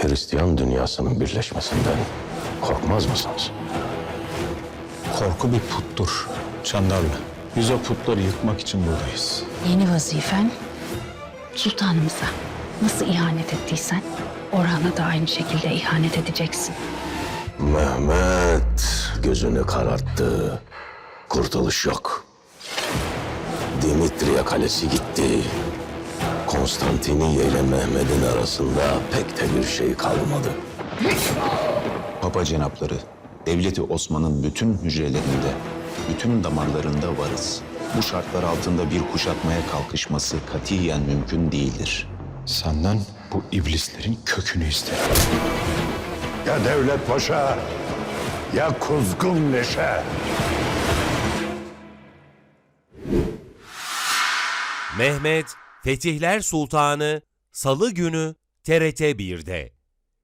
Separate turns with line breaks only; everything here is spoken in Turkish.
Hristiyan dünyasının birleşmesinden korkmaz mısınız?
Korku bir puttur Çandarlı. Biz o putları yıkmak için buradayız.
Yeni vazifen sultanımıza nasıl ihanet ettiysen Orhan'a da aynı şekilde ihanet edeceksin.
Mehmet gözünü kararttı. Kurtuluş yok. Dimitriya Kalesi gitti. Konstantiniye ile Mehmet'in arasında pek de bir şey kalmadı.
Papa cenapları, devleti Osman'ın bütün hücrelerinde, bütün damarlarında varız. Bu şartlar altında bir kuşatmaya kalkışması katiyen mümkün değildir.
Senden bu iblislerin kökünü isterim.
Ya Devlet Paşa, ya Kuzgun Leşe.
Mehmet Fetihler Sultanı Salı günü TRT 1'de.